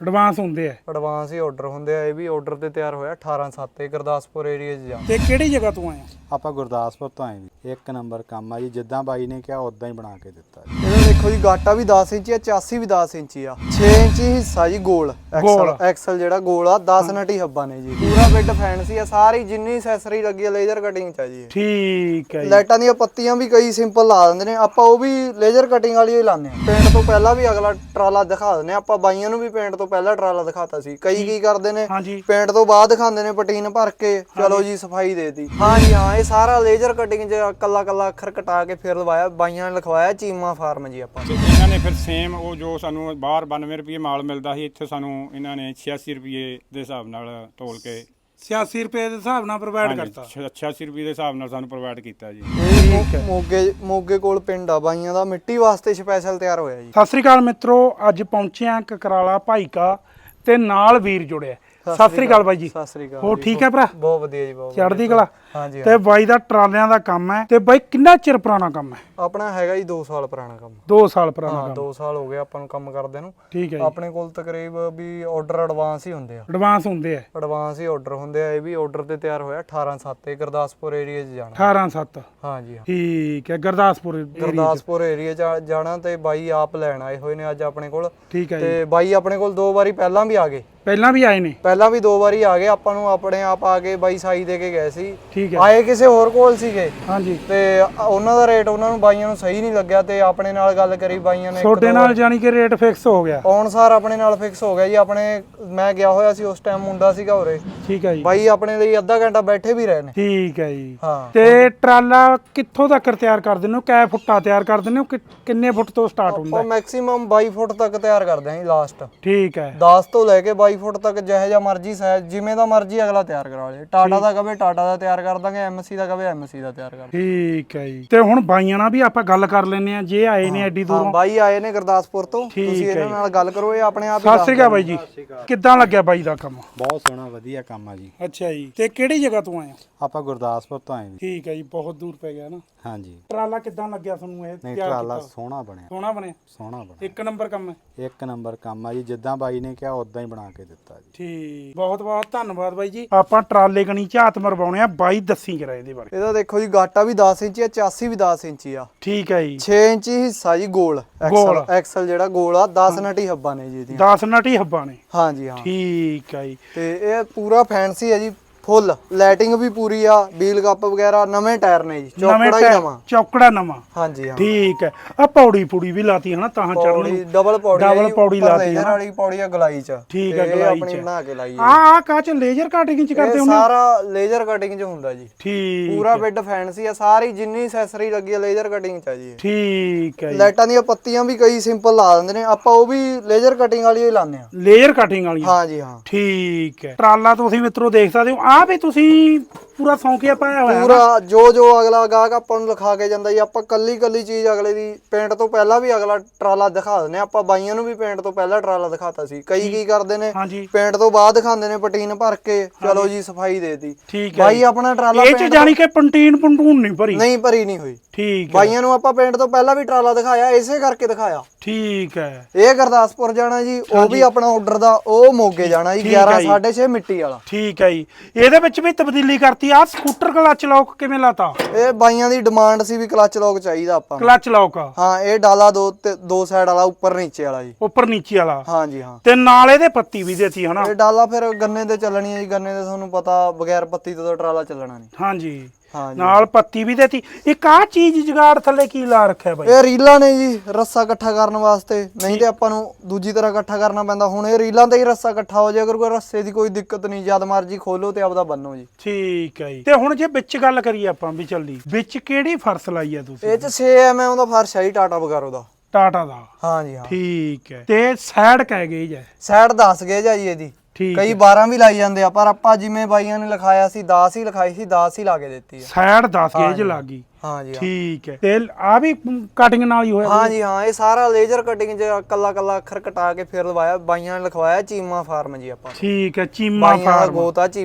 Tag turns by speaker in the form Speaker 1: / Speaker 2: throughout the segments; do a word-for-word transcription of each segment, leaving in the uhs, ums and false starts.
Speaker 1: Advance ਹੁੰਦੇ ਆ
Speaker 2: advance ਹੀ order ਹੁੰਦੇ ਆ। ਇਹ ਵੀ ਆਰਡਰ ਤੇ ਤਿਆਰ ਹੋਇਆ ਅਠਾਰਾਂ ਸੱਤ ਤੇ ਗੁਰਦਾਸਪੁਰ ਏਰੀਆ 'ਚ ਜਾ।
Speaker 1: ਤੇ ਕਿਹੜੀ ਜਗ੍ਹਾ ਤੋਂ ਆਏ ਆ?
Speaker 3: ਆਪਾਂ ਗੁਰਦਾਸਪੁਰ ਤੋਂ ਆਏ ਜੀ। ਇੱਕ ਨੰਬਰ ਕੰਮ ਆ ਜੀ, ਜਿੱਦਾਂ ਬਾਈ ਨੇ ਕਿਹਾ ਉਦਾਂ ਹੀ ਬਣਾ ਕੇ ਦਿੱਤਾ ਜੀ।
Speaker 2: ਇਹਦਾ ਦੇਖੋ ਜੀ ਗਾਟਾ ਵੀ ਦਸ ਇੰਚੀ ਆ, ਚਾਸੀ ਵੀ ਦਸ ਇੰਚੀ ਆ, ਛੇ ਇੰਚੀ ਹਿੱਸਾ ਜੀ ਗੋਲ ਐਕਸਲ ਐਕਸਲ ਜਿਹੜਾ ਗੋਲ ਆ ਦਸ ਨਟੀ ਹੱਬਾਂ ਨੇ ਜੀ। ਪੂਰਾ ਬਿੱਡ ਫੈਂਸੀ ਆ, ਸਾਰੀ ਜਿੰਨੀ ਐਕਸੈਸਰੀ ਲੱਗੀ ਆ ਲੇਜ਼ਰ ਕਟਿੰਗ ਚ ਆ ਜੀ।
Speaker 1: ਠੀਕ ਹੈ ਜੀ।
Speaker 2: ਲਾਈਟਾਂ ਦੀਆਂ ਪੱਤੀਆਂ ਵੀ ਕਈ ਸਿੰਪਲ ਲਾ ਦਿੰਦੇ ਨੇ, ਆਪਾਂ ਉਹ ਵੀ ਲੇਜ਼ਰ ਕਟਿੰਗ ਵਾਲੀ ਹੀ ਲਾਉਂਦੇ ਆ। ਪੇਂਟ ਤੋਂ ਪਹਿਲਾਂ ਵੀ ਅਗਲਾ ਟਰਾਲਾ ਦਿਖਾ ਦਿੰਦੇ ਆ ਆਪਾਂ, ਬਾਈਆਂ ਨੂੰ ਵੀ ਪੇਂਟ ਤੋਂ ਪਹਿਲਾਂ ਟਰਾਲਾ ਦਿਖਾਤਾ ਸੀ। ਕਈ ਕੀ ਕਰਦੇ ਨੇ ਪੇਂਟ ਤੋਂ ਬਾਅਦ ਦਿਖਾਉਂਦੇ ਨੇ ਪਟੀਨ ਭਰ ਕੇ, ਚਲੋ ਜੀ ਸਫਾਈ ਦੇਤੀ। ਹਾਂ ਜੀ ਹਾਂ, ਇਹ ਸਾਰਾ ਲੇਜ਼ਰ ਕਟਿੰਗ ਚ ਕੱਲਾ ਕੱਲਾ ਅੱਖਰ ਕਟਾ ਕੇ ਫਿਰ ਲਵਾਇਆ। ਬਾਈਆਂ ਨੇ ਲਿਖਵਾਇਆ ਚੀਮਾ ਫਾਰਮ ਜੀ ਆਪਾਂ।
Speaker 4: ਇਹਨਾਂ ਨੇ ਫਿਰ ਸੇਮ ਉਹ ਜੋ ਸਾਨੂੰ ਬਾਹਰ ਬਾਨਵੇਂ ਰੁਪਏ ਮਾਲ ਮਿਲਦਾ ਸੀ, ਇੱਥੇ ਸਾਨੂੰ ਇਹਨਾਂ ਨੇ ਛਿਆਸੀ ਰੁਪਏ ਦੇ ਹਿਸਾਬ ਨਾਲ ਤੋਲ ਕੇ
Speaker 1: ਛਿਆਸੀ ਰੁਪਏ ਦੇ ਹਿਸਾਬ ਨਾਲ ਪ੍ਰੋਵਾਈਡ ਕਰਤਾ।
Speaker 4: ਛਿਆਸੀ ਰੁਪਏ ਦੇ ਹਿਸਾਬ ਨਾਲ ਸਾਨੂੰ ਪ੍ਰੋਵਾਈਡ ਕੀਤਾ ਜੀ।
Speaker 2: ਇਹ ਮੋਗੇ ਮੋਗੇ ਕੋਲ ਪਿੰਡ ਆ ਬਾਈਆਂ ਦਾ, ਮਿੱਟੀ ਵਾਸਤੇ ਸਪੈਸ਼ਲ ਤਿਆਰ ਹੋਇਆ ਜੀ।
Speaker 1: ਸਤਿ ਸ੍ਰੀ ਅਕਾਲ ਮਿੱਤਰੋ, ਅੱਜ ਪਹੁੰਚੇ ਆ ਕਕਰਾਲਾ ਭਾਈਕਾ ਤੇ ਨਾਲ ਵੀਰ ਜੁੜਿਆ। ਸਤਿ ਸ੍ਰੀ ਅਕਾਲ ਬਾਈ ਜੀ।
Speaker 2: ਸਤਿ ਸ੍ਰੀ ਅਕਾਲ।
Speaker 1: ਹੋ ਠੀਕ ਹੈ ਭਰਾ?
Speaker 2: ਬਹੁਤ ਵਧੀਆ ਜੀ, ਬਹੁਤ
Speaker 1: ਚੜ੍ਹਦੀ ਕਲਾ।
Speaker 2: ਹਾਂਜੀ।
Speaker 1: ਤੇ ਬਾਈ ਦਾ ਟਰਾਲਿਆਂ ਦਾ ਕੰਮ ਹੈ। ਤੇ ਬਾਈ ਕਿੰਨਾ ਚਿਰ ਪੁਰਾਣਾ ਕੰਮ ਹੈ?
Speaker 2: ਆਪਣਾ ਹੈਗਾ ਜੀ ਦੋ ਸਾਲ ਪੁਰਾਣਾ ਕੰਮ।
Speaker 1: ਦੋ ਸਾਲ ਪੁਰਾਣਾ
Speaker 2: ਹਾਂ,
Speaker 1: ਕੰਮ।
Speaker 2: ਦੋ ਸਾਲ ਹੋ ਗਏ ਆਪਾਂ ਨੂੰ ਕੰਮ ਕਰਦੇ ਨੂੰ।
Speaker 1: ਠੀਕ ਹੈ ਜੀ।
Speaker 2: ਆਪਣੇ ਕੋਲ ਤਕਰੀਬ ਵੀ ਆਰਡਰ ਐਡਵਾਂਸ ਹੀ ਹੁੰਦੇ ਆ।
Speaker 1: ਐਡਵਾਂਸ ਹੁੰਦੇ ਆ
Speaker 2: ਐਡਵਾਂਸ ਹੀ ਆਰਡਰ ਹੁੰਦੇ ਆ। ਇਹ ਵੀ ਆਰਡਰ ਤੇ ਤਿਆਰ ਹੋਇਆ ਅਠਾਰਾਂ ਸੱਤ ਤੇ ਗੁਰਦਾਸਪੁਰ ਏਰੀਆ 'ਚ ਜਾਣਾ।
Speaker 1: ਅਠਾਰਾਂ ਸੱਤ।
Speaker 2: ਹਾਂ ਜੀ ਹਾਂ।
Speaker 1: ਠੀਕ ਹੈ, ਗੁਰਦਾਸਪੁਰ area 'ਚ।
Speaker 2: ਗੁਰਦਾਸਪੁਰ ਏਰੀਆ 'ਚ ਜਾਣਾ ਤੇ ਬਾਈ ਆਪ ਲੈਣ ਆਏ ਹੋਏ ਨੇ ਅੱਜ ਆਪਣੇ ਕੋਲ।
Speaker 1: ਠੀਕ ਹੈ ਜੀ।
Speaker 2: ਤੇ ਬਾਈ ਆਪਣੇ ਕੋਲ ਦੋ ਵਾਰੀ ਪਹਿਲਾਂ ਵੀ ਆ ਗਏ।
Speaker 1: ਪਹਿਲਾਂ ਵੀ ਆਏ ਨੇ?
Speaker 2: ਪਹਿਲਾਂ ਵੀ ਦੋ ਵਾਰੀ ਆ ਗਏ। ਆਪਾਂ ਨੂੰ ਆਪਣੇ ਆਪ ਆ ਕੇ ਬਾਈ ਸਾਈ ਦੇ ਕੇ ਗਏ ਸੀ।
Speaker 1: ਠੀਕ ਹੈ।
Speaker 2: ਆਏ ਕਿਸੇ ਹੋਰ ਕੋਲ ਸੀਗੇ।
Speaker 1: ਹਾਂਜੀ।
Speaker 2: ਤੇ ਉਹਨਾਂ ਦਾ ਰੇਟ ਉਹਨਾਂ ਨੂੰ ਬਾਈਆਂ ਨੂੰ ਸਹੀ ਨਹੀਂ ਲੱਗਿਆ ਤੇ ਆਪਣੇ ਨਾਲ ਗੱਲ ਕਰੀ ਬਾਈਆਂ ਨੇ।
Speaker 1: ਤੁਹਾਡੇ ਨਾਲ ਜਾਨੀ ਕਿ ਰੇਟ ਫਿਕਸ ਹੋ ਗਿਆ?
Speaker 2: ਅਨੁਸਾਰ ਆਪਣੇ ਨਾਲ ਫਿਕਸ ਹੋ ਗਿਆ ਜੀ। ਆਪਣੇ ਮੈਂ ਗਿਆ ਹੋਇਆ ਸੀ ਉਸ ਟਾਈਮ, ਮੁੰਡਾ ਸੀਗਾ ਉਰੇ।
Speaker 1: ਠੀਕ ਹੈ ਜੀ।
Speaker 2: ਬਾਈ ਆਪਣੇ ਲਈ ਅੱਧਾ ਘੰਟਾ ਬੈਠੇ ਵੀ ਰਹੇ ਨੇ।
Speaker 1: ਠੀਕ ਹੈ ਜੀ।
Speaker 2: ਹਾਂ।
Speaker 1: ਤੇ ਟਰਾਲਾ ਕਿੱਥੋਂ ਤੱਕ ਤਿਆਰ ਕਰ ਦਿੰਦੇ ਹੋ? ਕੈ ਫੁੱਟਾ ਤਿਆਰ ਕਰ ਦਿੰਦੇ ਹੋ? ਕਿ ਕਿੰਨੇ ਫੁੱਟ ਤੋਂ ਸਟਾਰਟ ਹੁੰਦਾ?
Speaker 2: ਉਹ ਮੈਕਸਿਮਮ ਬਾਈ ਫੁੱਟ ਤੱਕ ਤਿਆਰ ਕਰਦੇ ਆਂ ਜੀ ਲਾਸਟ।
Speaker 1: ਠੀਕ ਹੈ।
Speaker 2: ਦਸ ਤੋਂ ਲੈ ਕੇ ਬਾਈ ਫੁੱਟ ਤੱਕ ਜਿਹੋ ਜਿਹਾ ਮਰਜ਼ੀ ਸਾਈਜ਼, ਜਿਵੇਂ ਦਾ ਮਰਜ਼ੀ ਅਗਲਾ ਤਿਆਰ ਕਰਾ ਲੇ। ਟਾਟਾ ਦਾ ਕਵੇ ਟਾਟਾ ਦਾ ਤਿਆਰ ਕਰ ਦਾਂਗੇ, ਐਮਸੀ ਦਾ ਕਵੇ ਐਮਸੀ ਦਾ ਤਿਆਰ ਕਰ ਦਾਂਗੇ।
Speaker 1: ਠੀਕ ਹੈ ਜੀ। ਤੇ ਹੁਣ ਬਾਈਆਂ ਨਾਲ ਵੀ ਆਪਾਂ ਗੱਲ ਕਰ ਲੈਨੇ ਆ, ਜੇ ਆਏ ਨੇ ਐਡੀ ਦੂਰੋਂ।
Speaker 2: ਹਾਂ, ਬਾਈ ਆਏ ਨੇ ਗੁਰਦਾਸਪੁਰ ਤੋਂ। ਤੁਸੀਂ ਇਹਨਾਂ ਨਾਲ ਗੱਲ ਕਰੋ, ਇਹ ਆਪਣੇ ਆਪ ਹੀ।
Speaker 1: ਸਤਿ ਸ੍ਰੀ ਅਕਾਲ ਬਾਈ ਜੀ। ਕਿੱਦਾਂ ਲੱਗਿਆ ਬਾਈ ਦਾ ਕੰਮ?
Speaker 3: ਬਹੁਤ ਸੋਹਣਾ ਵਧੀਆ ਕੰਮ ਆ ਜੀ।
Speaker 1: ਅੱਛਾ ਜੀ। ਤੇ ਕਿਹੜੀ ਜਗ੍ਹਾ ਤੋਂ ਆਏ ਆ?
Speaker 3: ਆਪਾਂ ਗੁਰਦਾਸਪੁਰ ਤੋਂ ਆਏ ਜੀ।
Speaker 1: ਠੀਕ ਹੈ ਜੀ, ਬਹੁਤ ਦੂਰ ਪੈ ਗਿਆ ਨਾ।
Speaker 3: ਹਾਂਜੀ।
Speaker 1: ਟਰਾਲਾ ਕਿੱਦਾਂ ਲੱਗਿਆ ਤੁਹਾਨੂੰ? ਇਹ
Speaker 3: ਨਹੀਂ,
Speaker 1: ਤਿਆਰ
Speaker 3: ਟਰਾਲਾ
Speaker 1: ਕੀਤਾ?
Speaker 3: ਸੋਹਣਾ ਬਣਿਆ।
Speaker 1: ਸੋਹਣਾ ਬਣਿਆ?
Speaker 3: ਸੋਹਣਾ ਬਣਿਆ।
Speaker 1: ਇੱਕ ਨੰਬਰ ਕੰਮ ਹੈ।
Speaker 3: ਇੱਕ ਨੰਬਰ ਕੰਮ ਆ ਜੀ, ਜਿੱਦਾਂ ਬਾਈ ਨੇ ਕਿਹਾ ਉਦਾਂ ਹੀ ਬਣਾ ਕੇ ਦਿੱਤਾ ਜੀ।
Speaker 1: ਠੀਕ, ਬਹੁਤ ਬਹੁਤ ਧੰਨਵਾਦ ਬਾਈ ਜੀ। ਆਪਾਂ ਟਰਾਲੇ ਕਣੀ ਝਾਤ ਮਰਵਾਉਣੇ ਆ, ਬਾਈ ਦੱਸੀ ਕਰਾ ਇਹਦੇ ਬਾਰੇ।
Speaker 2: ਇਹਦਾ ਦੇਖੋ ਜੀ ਗਾਟਾ ਵੀ ਦਸ ਇੰਚੀ ਆ, ਚਾਸੀ ਵੀ ਦਸ ਇੰਚੀ ਆ।
Speaker 1: ਠੀਕ ਹੈ ਜੀ।
Speaker 2: ਛੇ ਇੰਚੀ ਹਿੱਸਾ ਜੀ ਗੋਲ ਐਕਸਲ ਐਕਸਲ ਜਿਹੜਾ ਗੋਲ ਆ ਦਸ ਨਟੀ ਹੱਬਾਂ ਨੇ ਜੀ ਇਹਦੀਆਂ।
Speaker 1: ਦਸ ਨਟੀ ਹੱਬਾਂ ਨੇ?
Speaker 2: ਹਾਂ ਜੀ ਹਾਂ।
Speaker 1: ਠੀਕ ਹੈ ਜੀ।
Speaker 2: ਤੇ ਇਹ ਪੂਰਾ ਫੈਂਸੀ ਹੈ ਜੀ, ਫੁੱਲ ਲਾਈਟਿੰਗ ਵੀ ਪੂਰੀ ਆ, ਵੀਲ ਕੱਪ ਵਗੈਰਾ ਨਵੇਂ ਟਾਇਰ ਨੇ ਜੀ, ਚੌਕੜਾ ਹੀ ਨਵਾਂ।
Speaker 1: ਚੌਕੜਾ ਨਵਾਂ?
Speaker 2: ਹਾਂਜੀ ਹਾਂ।
Speaker 1: ਠੀਕ ਹੈ। ਆ ਪੌੜੀ ਪੂੜੀ ਵੀ ਲਾਤੀ ਹਨਾ ਤਾਂ ਚੜਨ ਨੂੰ?
Speaker 2: ਡਬਲ ਪੌੜੀ
Speaker 1: ਡਬਲ ਪੌੜੀ ਲਾਤੀ
Speaker 2: ਲੇਜ਼ਰ ਵਾਲੀ ਪੌੜੀ ਆ ਗਲਾਈ ਚ।
Speaker 1: ਠੀਕ ਹੈ,
Speaker 2: ਇਹ
Speaker 1: ਗਲਾਈ
Speaker 2: ਆਪਣੀ
Speaker 1: ਚ
Speaker 2: ਬਣਾ ਕੇ ਲਾਈ
Speaker 1: ਆ। ਆ ਕਾ ਚ ਲੇਜ਼ਰ ਕਟਿੰਗ ਚ ਕਰਦੇ
Speaker 2: ਇਹ
Speaker 1: ਹੁੰਦੇ?
Speaker 2: ਸਾਰਾ ਲੇਜ਼ਰ ਕਟਿੰਗ ਚ ਹੁੰਦਾ ਜੀ।
Speaker 1: ਠੀਕ।
Speaker 2: ਪੂਰਾ ਬਿੱਡ ਫੈਂਸੀ ਆ, ਸਾਰੀ ਜਿੰਨੀ ਐਕਸੈਸਰੀ ਲੱਗੀ ਆ ਲੇਜ਼ਰ ਕਟਿੰਗ ਚ ਆ ਜੀ।
Speaker 1: ਠੀਕ ਹੈ।
Speaker 2: ਲਾਈਟਾਂ ਦੀਆਂ ਪੱਤੀਆਂ ਵੀ ਕਈ ਸਿੰਪਲ ਲਾ ਦਿੰਦੇ ਨੇ, ਆਪਾਂ ਉਹ ਵੀ ਲੇਜ਼ਰ ਕਟਿੰਗ ਵਾਲੀ ਹੀ ਲਾਉਂਦੇ ਆ।
Speaker 1: ਲੇਜ਼ਰ ਕਟਿੰਗ ਵਾਲੀ?
Speaker 2: ਹਾਂ ਜੀ ਹਾਂ।
Speaker 1: ਠੀਕ ਹੈ। ਟਰਾਲਾ ਤੁਸੀਂ ਮਿੱਤਰੋ ਦੇਖ ਸਕਦੇ ਹੋ, ਆ ਵੀ ਤੁਸੀਂ ਪੂਰਾ ਸੌਂਕਿਆ ਪਾਇਆ ਹੋਇਆ
Speaker 2: ਪੂਰਾ ਜੋ ਜੋ ਅਗਲਾ ਗਾਹਕ ਆਪਾਂ ਨੂੰ ਲਿਖਾ ਕੇ ਜਾਂਦਾ ਜੀ, ਆਪਾਂ ਕੱਲੀ ਕੱਲੀ ਚੀਜ਼ ਅਗਲੇ ਦੀ ਪੇਂਟ ਤੋਂ ਪਹਿਲਾਂ ਵੀ ਅਗਲਾ ਟਰਾਲਾ ਦਿਖਾ ਦਿੰਦੇ ਆ ਆਪਾਂ। ਬਾਈਆਂ ਨੂੰ ਵੀ ਪੇਂਟ ਤੋਂ ਪਹਿਲਾਂ ਟਰਾਲਾ ਦਿਖਾਤਾ ਸੀ। ਕਈ ਕੀ ਕਰਦੇ ਨੇ ਪੇਂਟ ਤੋਂ ਬਾਅਦ ਦਿਖਾਉਂਦੇ ਨੇ ਪਟੀਨ ਭਰ ਕੇ, ਚਲੋ ਜੀ ਸਫਾਈ ਦੇਤੀ।
Speaker 1: ਠੀਕ ਹੈ।
Speaker 2: ਬਾਈ ਆਪਣਾ ਟਰਾਲਾ
Speaker 1: ਇਹ ਚ ਜਾਨੀ ਕਿ ਪੰਟੀਨ ਪੰਟੂਨ ਨਹੀਂ ਭਰੀ?
Speaker 2: ਨਹੀਂ ਭਰੀ ਨਹੀਂ ਹੋਈ।
Speaker 1: ਠੀਕ।
Speaker 2: ਬਾਈਆਂ ਨੂੰ ਆਪਾਂ ਪੇਂਟ ਤੋਂ ਪਹਿਲਾਂ ਵੀ ਟਰਾਲਾ ਦਿਖਾਇਆ, ਇਸੇ ਕਰਕੇ ਦਿਖਾਇਆ।
Speaker 1: ਠੀਕ ਹੈ।
Speaker 2: ਇਹ ਗੁਰਦਾਸਪੁਰ ਜਾਣਾ ਜੀ, ਉਹ ਵੀ ਆਪਣਾ ਆਰਡਰ ਦਾ। ਉਹ ਮੋਗੇ ਜਾਣਾ ਜੀ, ਗਿਆਰਾਂ ਸਾਢੇ ਛੇ ਮਿੱਟੀ ਵਾਲਾ।
Speaker 1: ਠੀਕ ਹੈ ਜੀ। ਇਹਦੇ ਵਿੱਚ ਵੀ ਤਬਦੀਲੀ ਕਰਤੀ। ਆ ਸਕੂਟਰ ਕਲਚ ਲੌਕ ਕਿਵੇਂ ਲਾਤਾ?
Speaker 2: ਇਹ ਬਾਈਆਂ ਦੀ ਡਿਮਾਂਡ ਸੀ ਵੀ ਕਲਚ ਲੌਕ ਚਾਹੀਦਾ ਆਪਾਂ ਨੂੰ।
Speaker 1: Clutch lock?
Speaker 2: ਹਾਂ। ਇਹ ਡਾਲਾ ਦੋ ਤੇ ਦੋ ਸਾਈਡ ਵਾਲਾ, ਉੱਪਰ ਨੀਚੇ ਵਾਲਾ ਜੀ।
Speaker 1: ਉੱਪਰ ਨੀਚੇ ਵਾਲਾ?
Speaker 2: ਹਾਂ ਜੀ ਹਾਂ।
Speaker 1: ਤੇ ਨਾਲ ਇਹਦੇ ਪੱਤੀ ਵੀ ਦੇਤੀ ਹਨਾ?
Speaker 2: ਇਹ ਡਾਲਾ ਫਿਰ ਗੰਨੇ ਤੇ ਚੱਲਣੀ ਹੈ ਜੀ। ਗੰਨੇ ਤੇ ਤੁਹਾਨੂੰ ਪਤਾ ਬਗੈਰ ਪੱਤੀ ਤੋਂ ਤਾਂ ਟਰਾਲਾ ਚੱਲਣਾ ਨਹੀਂ।
Speaker 1: ਹਾਂਜੀ
Speaker 2: ਹਾਂ ਜੀ।
Speaker 1: ਨਾਲ ਪੱਤੀ ਵੀ ਦੇਤੀ। ਇੱਕ ਆ ਚੀਜ਼ ਜਗਾੜ ਥੱਲੇ ਕੀ ਲਾ ਰੱਖਿਆ ਬਾਈ?
Speaker 2: ਇਹ ਰੀਲਾਂ ਨੇ ਜੀ, ਰੱਸਾ ਇਕੱਠਾ ਕਰਨ ਵਾਸਤੇ। ਨਹੀਂ ਤੇ ਆਪਾਂ ਨੂੰ ਦੂਜੀ ਤਰ੍ਹਾਂ ਇਕੱਠਾ ਕਰਨਾ ਪੈਂਦਾ। ਹੁਣ ਇਹ ਰੀਲਾਂ ਤੇ ਹੀ ਰੱਸਾ ਇਕੱਠਾ ਹੋ ਜਾਏ, ਅਗਰ ਕੋਈ ਰੱਸੇ ਦੀ ਕੋਈ ਦਿੱਕਤ ਨਹੀਂ, ਜਦ ਮਰਜੀ ਖੋਲੋ ਤੇ ਆਪਦਾ ਬੰਨੋ ਜੀ।
Speaker 1: ਠੀਕ ਹੈ ਜੀ। ਤੇ ਹੁਣ ਜੇ ਵਿੱਚ ਗੱਲ ਕਰੀਏ ਆਪਾਂ ਵੀ ਚੱਲਦੀ, ਵਿੱਚ ਕਿਹੜੀ ਫਰਸ਼ ਲਾਈ ਆ ਤੁਸੀਂ?
Speaker 2: ਇਹ ਚ ਛੇ ਐਮ ਐਮ ਦਾ ਫਰਸ਼ ਹੈ ਜੀ, ਟਾਟਾ ਬਗਾਰੋ ਦਾ।
Speaker 1: ਟਾਟਾ ਦਾ?
Speaker 2: ਹਾਂ ਜੀ ਹਾਂ।
Speaker 1: ਠੀਕ ਹੈ। ਤੇ ਸਾਈਡ ਕਹਿ ਗਏ ਜੀ?
Speaker 2: ਸਾਈਡ ਦਸ ਗਏ ਜੀ ਇਹਦੀ। ਕਈ ਬਾਰਾਂ ਵੀ ਲਾਈ ਜਾਂਦੇ ਆ, ਪਰ ਆਪਾਂ ਜਿਵੇਂ ਬਾਈਆਂ ਨੇ ਲਿਖਾਇਆ ਸੀ ਦਸ ਹੀ ਲਿਖਾਈ ਸੀ, ਦਸ ਹੀ ਲਾ ਕੇ ਦਿੱਤੀ ਆ।
Speaker 1: ਸਾਈਡ ਦਸ ਗੇਜ ਲੱਗੀ?
Speaker 2: ਹਾਂ ਜੀ
Speaker 1: ਠੀਕ ਹੈ। ਤੇ ਆ ਵੀ ਕਟਿੰਗ ਨਾਲ ਹੀ ਹੋਇਆ?
Speaker 2: ਹਾਂ ਜੀ ਹਾਂ। ਇਹ ਸਾਰਾ ਲੇਜ਼ਰ ਕਟਿੰਗ ਚ ਕੱਲਾ ਕੱਲਾ ਅੱਖਰ ਕਟਾ ਕੇ ਫਿਰ ਲਵਾਇਆ। ਬਾਈਆਂ ਨੇ ਲਿਖਵਾਇਆ ਚੀਮਾ ਫਾਰਮ ਜੀ ਆਪਾਂ।
Speaker 1: ਠੀਕ ਹੈ। ਚੀਮਾ ਫਾਰਮ?
Speaker 2: ਗੋਤਾ ਚੀਮਾ।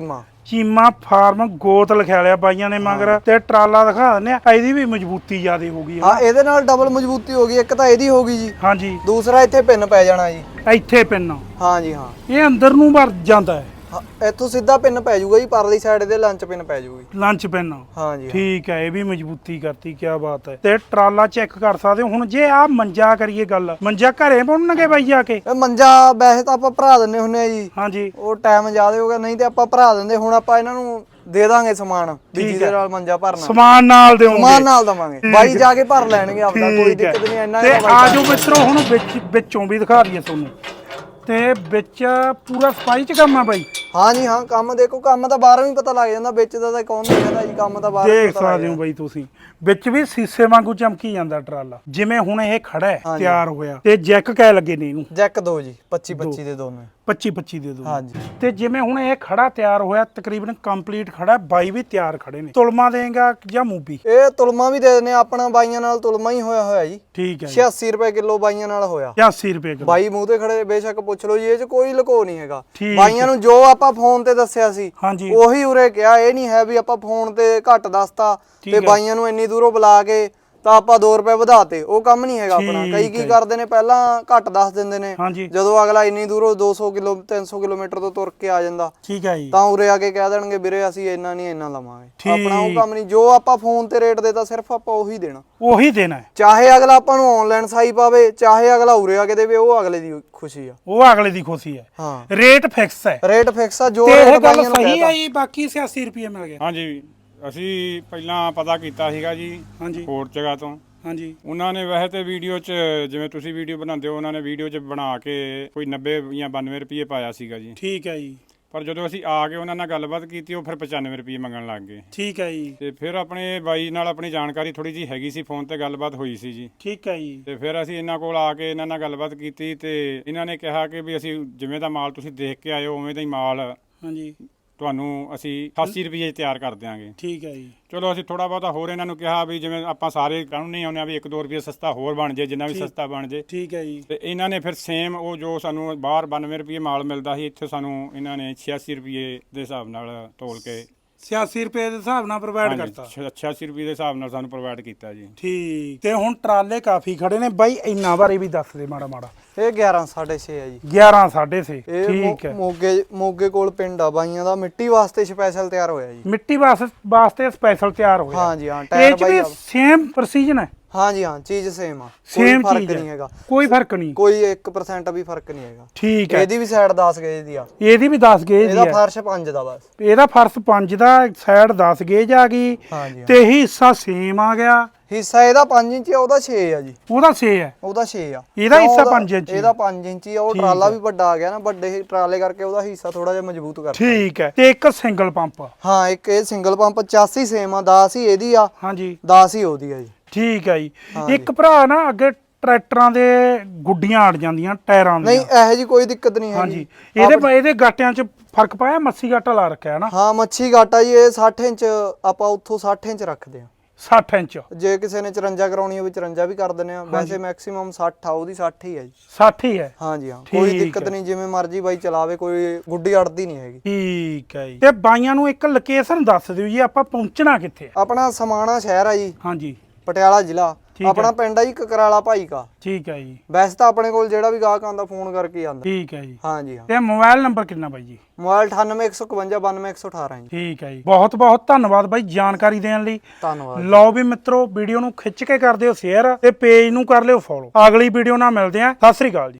Speaker 1: ਚੀਮਾ ਫਾਰਮ ਗੋਤ ਲਿਖਿਆ ਲਿਆ ਬਾਈਆਂ ਨੇ ਮਗਰ ਤੇ ਟਰਾਲਾ ਦਿਖਾ ਦਿੰਦੇ ਆ। ਇਹਦੀ ਵੀ ਮਜ਼ਬੂਤੀ ਜ਼ਿਆਦੇ ਹੋ ਗਈ
Speaker 2: ਹਾਂ ਇਹਦੇ ਨਾਲ ਡਬਲ ਮਜ਼ਬੂਤੀ ਹੋ ਗਈ। ਇੱਕ ਤਾਂ ਇਹਦੀ ਹੋ ਗਈ ਜੀ,
Speaker 1: ਹਾਂਜੀ
Speaker 2: ਦੂਸਰਾ ਇੱਥੇ ਪਿੰਨ ਪੈ ਜਾਣਾ ਜੀ।
Speaker 1: ਇੱਥੇ ਪਿੰਨ
Speaker 2: ਹਾਂ ਜੀ ਹਾਂ,
Speaker 1: ਇਹ ਅੰਦਰ ਨੂੰ ਵੜ ਜਾਂਦਾ ਹੈ।
Speaker 2: ਹਾਂ, ਇੱਥੋਂ ਸਿੱਧਾ ਪਿੰਨ ਪੈ ਜਾਊਗਾ ਜੀ, ਪਰਲੀ ਸਾਈਡ ਦੇ ਲੰਚ ਪਿੰਨ ਪੈ ਜਾਊਗੀ।
Speaker 1: ਲੰਚ ਪਿੰਨ
Speaker 2: ਹਾਂ ਜੀ
Speaker 1: ਠੀਕ ਹੈ, ਇਹ ਵੀ ਮਜ਼ਬੂਤੀ ਕਰਤੀ, ਕੀ ਬਾਤ ਹੈ। ਤੇ ਟਰਾਲਾ ਚੈੱਕ ਕਰ ਸਕਦੇ ਹੋ। ਹੁਣ ਜੇ ਆ ਮੰਜਾ ਕਰੀਏ ਗੱਲ, ਮੰਜਾ ਘਰੇ ਪਾਉਣਗੇ ਬਾਈ ਜਾ ਕੇ?
Speaker 2: ਇਹ ਮੰਜਾ ਵੈਸੇ ਤਾਂ ਆਪਾਂ ਭਰਾ ਦਿੰਨੇ ਹੁੰਨੇ ਆ ਜੀ,
Speaker 1: ਹਾਂਜੀ
Speaker 2: ਉਹ ਟਾਈਮ ਜ਼ਿਆਦਾ ਹੋ ਗਿਆ, ਨਹੀਂ ਤੇ ਆਪਾਂ ਭਰਾ ਦਿੰਦੇ। ਹੁਣ ਆਪਾਂ ਇਹਨਾਂ ਨੂੰ ਦੇ ਦਾਂਗੇ ਸਮਾਨ ਵੀ ਜਿਹਦੇ ਨਾਲ ਮੰਜਾ ਭਰਨਾ,
Speaker 1: ਸਮਾਨ ਨਾਲ ਦਿਓਗੇ?
Speaker 2: ਸਮਾਨ ਨਾਲ ਦਵਾਂਗੇ, ਬਾਈ ਜਾ ਕੇ ਭਰ ਲੈਣਗੇ ਆਪਦਾ, ਕੋਈ ਦਿੱਕਤ ਨਹੀਂ। ਇੰਨਾ
Speaker 1: ਤੇ ਆਜੋ ਮਿੱਤਰੋ ਹੁਣ ਵਿੱਚ ਵਿੱਚੋਂ ਵੀ ਦਿਖਾ ਦਈਏ ਤੁਹਾਨੂੰ। ਤੇ ਵਿੱਚ ਪੂਰਾ ਸਫਾਈ ਚ ਕੰਮ ਆ ਬਾਈ?
Speaker 2: ਹਾਂ ਜੀ ਹਾਂ, ਕੰਮ ਦੇਖੋ, ਕੰਮ ਤਾਂ ਬਾਹਰੋਂ ਹੀ ਪਤਾ ਲੱਗ ਜਾਂਦਾ, ਵਿੱਚ ਦਾ ਤਾਂ ਕੌਣ ਨਹੀਂ ਕਹਿੰਦਾ ਜੀ, ਕੰਮ ਤਾਂ ਬਾਹਰੋਂ
Speaker 1: ਦੇਖ ਸਕਦੇ ਹੋ ਬਾਈ ਤੁਸੀਂ, ਵਿੱਚ ਵੀ ਸੀਸੇ ਵਾਂਗੂ ਚਮਕੀ ਜਾਂਦਾ ਟਰਾਲਾ। ਜਿਵੇਂ ਹੁਣ ਇਹ ਖੜਾ ਹੈ ਤਿਆਰ ਹੋਇਆ, ਤੇ ਜੈਕ ਕਹਿ ਲੱਗੇ ਨੇ ਇਹਨੂੰ?
Speaker 2: ਜੈਕ ਦੋ ਜੀ, ਪੱਚੀ ਪੱਚੀ ਦੇ ਦੋਨੇ,
Speaker 1: ਪੱਚੀ ਪੱਚੀ ਦੇ ਦੋ।
Speaker 2: ਹਾਂਜੀ।
Speaker 1: ਤੇ ਜਿਵੇਂ ਹੁਣ ਇਹ ਖੜਾ ਤਿਆਰ ਹੋਇਆ, ਤਕਰੀਬਨ ਕੰਪਲੀਟ ਖੜਾ, ਬਾਈ ਵੀ ਤਿਆਰ ਖੜੇ ਨੇ। ਤੁਲਮਾ ਦੇਗਾ ਜਾਂ ਮੂਵੀ?
Speaker 2: ਇਹ ਤੁਲਮਾ ਵੀ ਦੇ ਦਿੰਦੇ ਆ, ਆਪਣਾ ਬਾਈਆਂ ਨਾਲ ਤੁਲਮਾ ਹੀ ਹੋਇਆ ਹੋਇਆ ਜੀ।
Speaker 1: ਠੀਕ ਹੈ,
Speaker 2: ਛਿਆਸੀ ਰੁਪਏ ਕਿਲੋ ਬਾਈਆਂ ਨਾਲ ਹੋਇਆ।
Speaker 1: ਛਿਆਸੀ ਰੁਪਏ ਕਿਲੋ।
Speaker 2: ਬਾਈ ਮੂੰਹ ਤੇ ਖੜੇ ਬੇਸ਼ੱਕ ਪੁੱਛ ਲਓ ਜੀ, ਇਹ 'ਚ ਕੋਈ ਲੁਕੋ ਨਹੀਂ ਹੈਗਾ।
Speaker 1: ਠੀਕ
Speaker 2: ਬਾਈਆਂ ਨੂੰ ਜੋ ਆਪਾਂ ਫੋਨ ਤੇ ਦੱਸਿਆ ਸੀ
Speaker 1: ਹਾਂਜੀ
Speaker 2: ਉਹੀ ਉਰੇ ਕਿਹਾ। ਇਹ ਨਹੀਂ ਹੈ ਵੀ ਆਪਾਂ ਫੋਨ ਤੇ ਘੱਟ ਦੱਸਤਾ ਤੇ ਬਾਈਆਂ ਨੂੰ ਇੰਨੀ ਦੂਰੋਂ ਬੁਲਾ ਕੇ ਤਾਂ ਆਪਾਂ ਦੋ ਰੁਪਏ ਵਧਾਤੇ, ਉਹ ਕੰਮ ਨਹੀਂ ਹੈਗਾ ਆਪਣਾ। ਕਈ ਕੀ ਕਰਦੇ ਨੇ, ਪਹਿਲਾਂ ਘੱਟ ਦੱਸ ਦਿੰਦੇ ਨੇ,
Speaker 1: ਹਾਂਜੀ
Speaker 2: ਜਦੋਂ ਅਗਲਾ ਇੰਨੀ ਦੂਰੋਂ ਦੋ ਸੌ ਕਿਲੋ ਤਿੰਨ ਸੌ ਕਿਲੋਮੀਟਰ ਤੋਂ ਤੁਰ ਕੇ ਆ ਜਾਂਦਾ,
Speaker 1: ਠੀਕ ਹੈ ਜੀ,
Speaker 2: ਤਾਂ ਉਰੇ ਆ ਕੇ ਕਹਿ ਦੇਣਗੇ ਵੀਰੇ ਅਸੀਂ ਇੰਨਾ ਨਹੀਂ ਇੰਨਾ ਲਵਾਂਗੇ। ਆਪਣਾ ਉਹ ਕੰਮ ਨਹੀਂ, ਜੋ ਆਪਾਂ ਫੋਨ ਤੇ ਰੇਟ ਦੇਤਾ ਸਿਰਫ ਆਪਾਂ ਉਹੀ ਦੇਣਾ,
Speaker 1: ਉਹੀ ਦੇਣਾ ਹੈ।
Speaker 2: ਚਾਹੇ ਅਗਲਾ ਆਪਾਂ ਨੂੰ ਆਨਲਾਈਨ ਸਾਈ ਪਾਵੇ, ਚਾਹੇ ਅਗਲਾ ਉਰੇ ਆ ਕੇ ਦੇਵੇ, ਉਹ ਅਗਲੇ ਦੀ ਖੁਸ਼ੀ ਆ,
Speaker 1: ਉਹ ਅਗਲੇ ਦੀ ਖੁਸ਼ੀ ਹੈ।
Speaker 2: ਹਾਂ,
Speaker 1: ਰੇਟ ਫਿਕਸ ਹੈ,
Speaker 2: ਰੇਟ ਫਿਕਸ ਆ। ਜੋ
Speaker 1: ਤੇ
Speaker 2: ਰੇਟ
Speaker 1: ਇਹ ਗੱਲ
Speaker 2: ਬਾਈਆਂ ਨੂੰ
Speaker 1: ਸਹੀ
Speaker 2: ਕਹਿਤਾ
Speaker 1: ਹੈ ਜੀ, ਬਾਕੀ ਛਿਆਸੀ ਰੁਪਏ ਮਿਲ ਗਏ?
Speaker 4: ਹਾਂਜੀ, ਅਸੀਂ ਪਹਿਲਾਂ ਪਤਾ ਕੀਤਾ ਸੀਗਾ ਜੀ
Speaker 1: ਹਾਂਜੀ
Speaker 4: ਹੋਰ ਜਗ੍ਹਾ ਤੋਂ।
Speaker 1: ਹਾਂਜੀ,
Speaker 4: ਉਹਨਾਂ ਨੇ ਵੈਸੇ ਤੇ ਵੀਡੀਓ 'ਚ, ਜਿਵੇਂ ਤੁਸੀਂ ਵੀਡੀਓ ਬਣਾਉਂਦੇ ਹੋ, ਉਹਨਾਂ ਨੇ ਵੀਡੀਓ 'ਚ ਬਣਾ ਕੇ ਕੋਈ ਨੱਬੇ ਜਾਂ ਬਾਨਵੇਂ ਰੁਪਏ ਪਾਇਆ ਸੀਗਾ ਜੀ।
Speaker 1: ਠੀਕ ਹੈ ਜੀ।
Speaker 4: ਪਰ ਜਦੋਂ ਅਸੀਂ ਆ ਕੇ ਉਹਨਾਂ ਨਾਲ ਗੱਲਬਾਤ ਕੀਤੀ, ਉਹ ਫਿਰ ਪਚਾਨਵੇਂ ਰੁਪਏ ਮੰਗਣ ਲੱਗ ਗਏ।
Speaker 1: ਠੀਕ ਹੈ ਜੀ।
Speaker 4: ਤੇ ਫਿਰ ਆਪਣੇ ਬਾਈ ਨਾਲ ਆਪਣੀ ਜਾਣਕਾਰੀ ਥੋੜੀ ਜੀ ਹੈਗੀ ਸੀ, ਫੋਨ ਤੇ ਗੱਲਬਾਤ ਹੋਈ ਸੀ ਜੀ।
Speaker 1: ਠੀਕ ਹੈ ਜੀ।
Speaker 4: ਤੇ ਫਿਰ ਅਸੀਂ ਇਹਨਾਂ ਕੋਲ ਆ ਕੇ ਇਹਨਾਂ ਨਾਲ ਗੱਲਬਾਤ ਕੀਤੀ, ਤੇ ਇਹਨਾਂ ਨੇ ਕਿਹਾ ਕਿ ਵੀ ਅਸੀਂ ਜਿਵੇਂ ਦਾ ਮਾਲ ਤੁਸੀਂ ਦੇਖ ਕੇ ਆਏ ਹੋ ਉਵੇਂ ਦਾ ਹੀ ਮਾਲ
Speaker 1: ਹਾਂਜੀ
Speaker 4: ਤੁਹਾਨੂੰ ਅਸੀਂ ਅਠਾਸੀ ਰੁਪਏ 'ਚ ਤਿਆਰ ਕਰ ਦਿਆਂਗੇ।
Speaker 1: ਠੀਕ ਹੈ ਜੀ।
Speaker 4: ਚਲੋ ਅਸੀਂ ਥੋੜਾ ਬਹੁਤਾ ਹੋਰ ਇਹਨਾਂ ਨੂੰ ਕਿਹਾ ਵੀ ਜਿਵੇਂ ਆਪਾਂ ਸਾਰੇ ਕਾਨੂੰਨ ਨਹੀਂ ਆਉਂਦੇ ਆ ਵੀ ਇੱਕ ਦੋ ਰੁਪਏ ਸਸਤਾ ਹੋਰ ਬਣ ਜੇ, ਜਿੰਨਾ ਵੀ ਸਸਤਾ ਬਣ ਜੇ।
Speaker 1: ਠੀਕ ਹੈ ਜੀ।
Speaker 4: ਤੇ ਇਹਨਾਂ ਨੇ ਫਿਰ ਸੇਮ ਉਹ ਜੋ ਸਾਨੂੰ ਬਾਹਰ ਬਾਨਵੇਂ ਰੁਪਏ ਮਾਲ ਮਿਲਦਾ ਸੀ, ਇੱਥੇ ਸਾਨੂੰ ਇਹਨਾਂ ਨੇ ਛਿਆਸੀ ਰੁਪਏ ਦੇ ਹਿਸਾਬ ਨਾਲ ਤੋਲ ਕੇ
Speaker 1: ਛਿਆਸੀ ਰੁਪਏ ਦੇ ਹਿਸਾਬ ਨਾਲ ਪ੍ਰੋਵਾਈਡ ਕਰਤਾ।
Speaker 4: ਛਿਆਸੀ ਰੁਪਏ ਦੇ ਹਿਸਾਬ ਨਾਲ ਸਾਨੂੰ ਪ੍ਰੋਵਾਈਡ ਕੀਤਾ ਜੀ।
Speaker 1: ਠੀਕ। ਤੇ ਹੁਣ ਟਰਾਲੇ ਕਾਫੀ ਖੜੇ ਨੇ ਬਾਈ, ਇੰਨਾ ਬਾਰੇ ਵੀ ਦੱਸ ਦੇ ਮਾੜਾ ਮਾੜਾ।
Speaker 2: ਇਹ ਗਿਆਰਾਂ ਸਾਢੇ ਛੇ ਆ ਜੀ।
Speaker 1: ਗਿਆਰਾਂ ਸਾਢੇ ਛੇ।
Speaker 2: ਇਹ
Speaker 1: ਠੀਕ ਹੈ।
Speaker 2: ਮੋਗੇ ਮੋਗੇ ਕੋਲ ਪਿੰਡ ਆ ਬਾਈਆਂ ਦਾ, ਮਿੱਟੀ ਵਾਸਤੇ ਸਪੈਸ਼ਲ ਤਿਆਰ ਹੋਇਆ ਜੀ।
Speaker 1: ਮਿੱਟੀ ਵਾਸਤੇ ਵਾਸਤੇ ਸਪੈਸ਼ਲ ਤਿਆਰ ਹੋਇਆ?
Speaker 2: ਹਾਂ ਜੀ ਹਾਂ,
Speaker 1: ਇਹ
Speaker 2: ਟਾਇਰ
Speaker 1: ਚ ਵੀ ਸੇਮ ਪ੍ਰੈਸੀਜਨ ਹੈ?
Speaker 2: ਹਾਂ ਜੀ ਹਾਂ, ਚੀਜ਼ ਸੇਮ ਆ, ਕੋਈ
Speaker 1: ਸੇਮ
Speaker 2: ਫਰਕ
Speaker 1: ਚੀਜ਼
Speaker 2: ਨਹੀਂ ਹੈਗਾ,
Speaker 1: ਕੋਈ ਫਰਕ ਨਹੀਂ,
Speaker 2: ਕੋਈ ਇੱਕ ਪਰਸੈਂਟ ਵੀ ਫਰਕ ਨਹੀਂ ਹੈਗਾ।
Speaker 1: ਠੀਕ ਹੈ।
Speaker 2: ਇਹਦੀ ਵੀ ਸਾਈਡ ਦਸ ਗੇਜ ਦੀ ਆ,
Speaker 1: ਇਹਦੀ ਵੀ ਦਸ ਗੇਜ ਦੀ
Speaker 2: ਇਹਦਾ
Speaker 1: ਹੈ।
Speaker 2: ਫਰਸ਼ ਪੰਜ ਦਾ ਬਸ,
Speaker 1: ਇਹਦਾ ਫਰਸ਼ ਪੰਜ ਦਾ, ਸਾਈਡ ਦਸ ਗੇਜ ਆ ਗਈ।
Speaker 2: ਹਾਂ ਜੀ
Speaker 1: ਤੇ ਹਿੱਸਾ ਸੇਮ ਆ ਗਿਆ।
Speaker 2: ਹਿੱਸਾ ਇਹਦਾ ਪੰਜ ਇੰਚ ਆ, ਉਹਦਾ ਛੇ ਆ ਜੀ।
Speaker 1: ਉਹਦਾ ਛੇ ਹੈ,
Speaker 2: ਉਹਦਾ ਛੇ ਆ।
Speaker 1: ਇਹਦਾ ਹਿੱਸਾ ਪੰਜ ਇੰਚ?
Speaker 2: ਇਹਦਾ ਪੰਜ ਇੰਚ ਆ। ਉਹ ਟਰਾਲਾ ਵੀ ਵੱਡਾ ਆ ਗਿਆ ਨਾ, ਵੱਡੇ ਟਰਾਲੇ ਕਰਕੇ ਉਹਦਾ ਹਿੱਸਾ ਥੋੜਾ ਜਿਹਾ ਮਜ਼ਬੂਤ ਕਰਤਾ।
Speaker 1: ਠੀਕ ਹੈ। ਤੇ ਇੱਕ ਸਿੰਗਲ ਪੰਪ?
Speaker 2: ਹਾਂ, ਇੱਕ ਇਹ ਸਿੰਗਲ ਪੰਪ ਚਾਸੀ ਸੇਮ ਆ, ਦਸ ਹੀ ਇਹਦੀ ਆ,
Speaker 1: ਹਾਂਜੀ
Speaker 2: ਦਸ ਹੀ ਉਹਦੀ ਆ ਜੀ।
Speaker 1: ਠੀਕ ਹੈ ਜੀ। ਇੱਕ ਭਰਾ ਨਾ ਅੱਗੇ ਟਰੈਕਟਰਾਂ ਦੇ ਗੁੱਡੀਆਂ ਅੜ ਜਾਂਦੀਆਂ ਟਾਇਰਾਂ ਦੀਆਂ।
Speaker 2: ਨਹੀਂ, ਇਹੋ ਜੀ ਕੋਈ ਦਿੱਕਤ ਨਹੀਂ ਹੈ
Speaker 1: ਹਾਂਜੀ। ਇਹਦੇ ਇਹਦੇ ਗਾਟਿਆਂ 'ਚ ਫਰਕ ਪਾਇਆ? ਮੱਛੀ ਗਾਟਾ ਲਾ ਰੱਖਿਆ ਹੈ ਨਾ?
Speaker 2: ਹਾਂ, ਮੱਛੀ ਗਾਟਾ ਜੀ। ਇਹ ਸੱਠ ਇੰਚ ਆਪਾਂ ਉੱਥੋਂ ਸੱਠ ਇੰਚ ਰੱਖਦੇ ਆ।
Speaker 1: ਸੱਠ ਇੰਚ?
Speaker 2: ਜੇ ਕਿਸੇ ਨੇ ਚੁਰੰਜਾ ਕਰਾਉਣੀ ਹੋਵੇ ਚੁਰੰਜਾ ਵੀ ਕਰ ਦਿੰਦੇ ਆ। ਵੈਸੇ ਮੈਕਸਿਮਮ ਸੱਠ ਆ, ਉਹਦੀ ਸੱਠ ਹੀ ਆ ਜੀ।
Speaker 1: ਸੱਠ ਹੀ ਹੈ?
Speaker 2: ਹਾਂ ਜੀ ਹਾਂ, ਕੋਈ ਦਿੱਕਤ ਨਹੀਂ, ਜਿਵੇਂ ਮਰਜ਼ੀ ਬਾਈ ਚਲਾਵੇ, ਕੋਈ ਗੁੱਡੀ ਅੜਦੀ ਨਹੀਂ ਹੈਗੀ।
Speaker 1: ਠੀਕ ਹੈ ਜੀ। ਤੇ ਬਾਈਆਂ ਨੂੰ ਇੱਕ ਲੋਕੇਸ਼ਨ ਦੱਸ ਦਿਓ ਜੀ, ਆਪਾਂ ਪਹੁੰਚਣਾ ਕਿੱਥੇ ਆ?
Speaker 2: ਆਪਣਾ ਸਮਾਣਾ ਸ਼ਹਿਰ ਆ ਜੀ,
Speaker 1: ਹਾਂਜੀ,
Speaker 2: ਪਟਿਆਲਾ ਜ਼ਿਲ੍ਹਾ। ਆਪਣਾ ਪਿੰਡ ਆ ਜੀ ਕਕਰਾਲਾ ਭਾਈ ਕਾ।
Speaker 1: ਠੀਕ ਹੈ ਜੀ।
Speaker 2: ਵੈਸੇ ਤਾਂ ਆਪਣੇ ਕੋਲ ਜਿਹੜਾ ਵੀ ਗਾਹਕ ਆਉਂਦਾ ਫੋਨ ਕਰਕੇ ਆਉਂਦਾ।
Speaker 1: ਠੀਕ ਹੈ ਜੀ।
Speaker 2: ਹਾਂ ਜੀ ਹਾਂ।
Speaker 1: ਤੇ ਮੋਬਾਈਲ ਨੰਬਰ ਕਿੰਨਾ ਬਾਈ ਜੀ?
Speaker 2: ਮੋਬਾਈਲ ਅਠਾਨਵੇਂ ਇੱਕ ਸੌ ਇਕਵੰਜਾ ਬਾਨਵੇਂ ਇੱਕ ਸੌ ਅਠਾਰਾਂ ਜੀ।
Speaker 1: ਠੀਕ ਹੈ ਜੀ। ਬਹੁਤ ਬਹੁਤ ਧੰਨਵਾਦ ਬਾਈ ਜਾਣਕਾਰੀ ਦੇਣ ਲਈ।
Speaker 2: ਧੰਨਵਾਦ।
Speaker 1: ਲਓ ਵੀ ਮਿੱਤਰੋ, ਵੀਡੀਓ ਨੂੰ ਖਿੱਚ ਕੇ ਕਰ ਦਿਓ ਸ਼ੇਅਰ ਤੇ ਪੇਜ ਨੂੰ ਕਰ ਲਿਓ ਫੋਲੋ। ਅਗਲੀ ਵੀਡੀਓ ਨਾਲ ਮਿਲਦੇ ਆਂ। ਸਤਿ ਸ੍ਰੀ ਅਕਾਲ ਜੀ।